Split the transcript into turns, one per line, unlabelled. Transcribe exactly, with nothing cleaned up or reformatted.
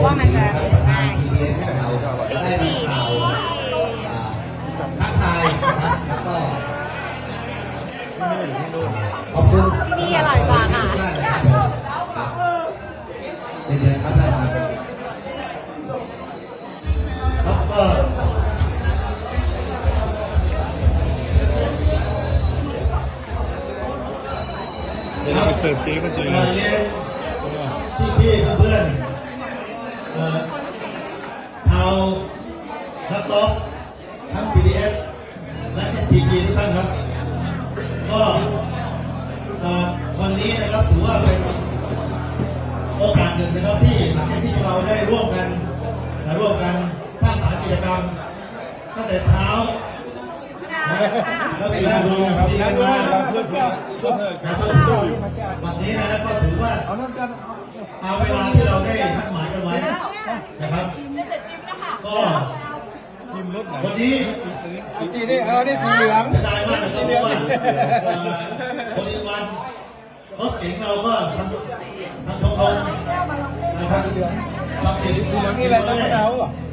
ว่ามันจะง่าย
พี ดี เอส ของเราได้รับข่าวทักทายนะครับแล้วก็ขอบคุณ
มีอร่อยกว่าค่ะ
มากนะครับเรียนครับท่านครับครับก็
เดี๋ยวเราไปเสิร์ฟเจ๊มันเจอ
เอ่อเรียนพี่ๆเพื่อนๆเอ่อชาวนักโต๊ะทั้ง พี ดี เอส และ เอ็น ที ที ทุกท่านครับก็เอ่อวันนี้นะครับถือว่าเป็นโอกาสหนึ่งนะครับที่หลังจากที่เราได้ร่วมกันและร่วมกันสร้างสรรค์กิจกรรมตั้งแต่เช้าแล้วไปนั่งดูดีกันมาเพื่อเพื่อเพื่อวันนี้นะครับก็ถือว่าเอาเวลาที่เราได้นัดหมายกันไว้นะครับก็วันนี้
จีนี่เออนี่สีเหลือง
จะได้มากนะครับเพราะว่าคนอีกวันรถเก๋งเราก็ทำทำทงทงนะครับสับเปลี่ยน
สีเหลืองนี่อะไรตั้งแต่เราอ่ะ